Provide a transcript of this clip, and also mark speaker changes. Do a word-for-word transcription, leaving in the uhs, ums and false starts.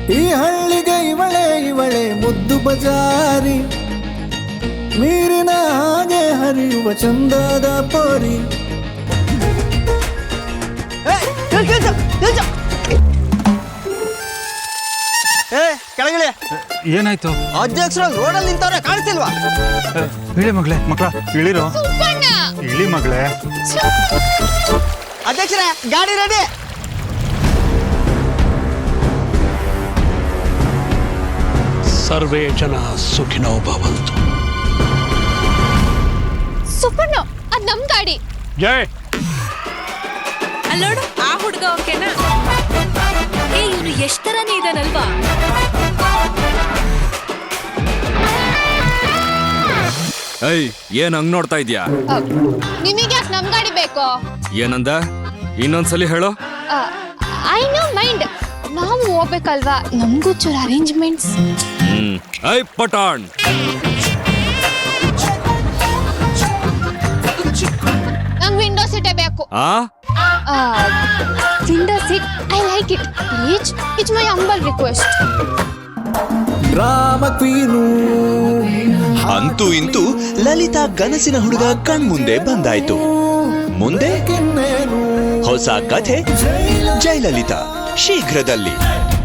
Speaker 1: ಈ ಹಳ್ಳಿಗೆ ಇವಳೆ ಇವಳೆ ಮುದ್ದು ಬಜಾರಿ, ನೀರಿನ ಹಾಗೆ ಹರಿಯುವ ಚಂದದ ಪೋರಿ.
Speaker 2: ಏ ಕೆಳಗಿಳಿ.
Speaker 3: ಏನಾಯ್ತು?
Speaker 2: ಅಧ್ಯಕ್ಷರು ರೋಡಲ್ಲಿ ನಿಂತವ್ರೆ, ಕಾಣಿಸ್ತಿಲ್ವಾ?
Speaker 3: ಇಳಿ ಮಗಳೇ, ಮಕ್ಕಳ ಇಳಿರೋ. ಇಳಿ ಮಗಳೇ.
Speaker 2: ಅಧ್ಯಕ್ಷರೇ ಗಾಡಿ ರೆಡಿ.
Speaker 4: ಸರ್ವೇ ಜನ ಸುಖಿನೋ ಭವಂತು.
Speaker 5: ಸುಪರ್ಣ, ಅದ್ ನಮ್ ಗಾಡಿ.
Speaker 4: ಜೈ.
Speaker 6: ಅಲ್ಲೋಡು, ಆ ಹುಡುಗ ಓಕೆನಾ? ಏ ಇವನು ಎಷ್ಟ್ ತರನೇ ಇದಾನಲ್ವಾ?
Speaker 7: ಏಯ್, ಏನ್ ಹಂಗ್ ನೋಡ್ತಾ ಇದ್ಯಾ?
Speaker 5: ನಿಮಗೆ ಯಾಕೆ ನಮ್ ಗಾಡಿ ಬೇಕು?
Speaker 7: ಏನಂದ? ಇನ್ನೊಂದ್ಸಲಿ ಹೇಳೋ.
Speaker 5: I no mind. ನಾವು ಹೋಗ್ಬೇಕಲ್ವಾ, ನಮಗೂ ಚೂರು ಅರೇಂಜ್ಮೆಂಟ್ಸ್.
Speaker 7: ಹ್ಮ್. ಐ ಪಟಾಣ್.
Speaker 5: ನಂಗೆ ವಿಂಡೋ ಸೀಟೇ ಬೇಕು.
Speaker 7: ಆ
Speaker 5: window seat, I like it. Please, it's my humble request.
Speaker 1: Drama queen.
Speaker 8: ಅಂತೂ ಇಂತೂ ಲಲಿತಾ ಕನಸಿನ ಹುಡುಗ ಕಣ್ಮುಂದೆ ಬಂದಾಯ್ತು. ಮುಂದೆ ಹೊಸ ಕಥೆ ಜಯಲಲಿತಾ ಶೀಘ್ರದಲ್ಲಿ.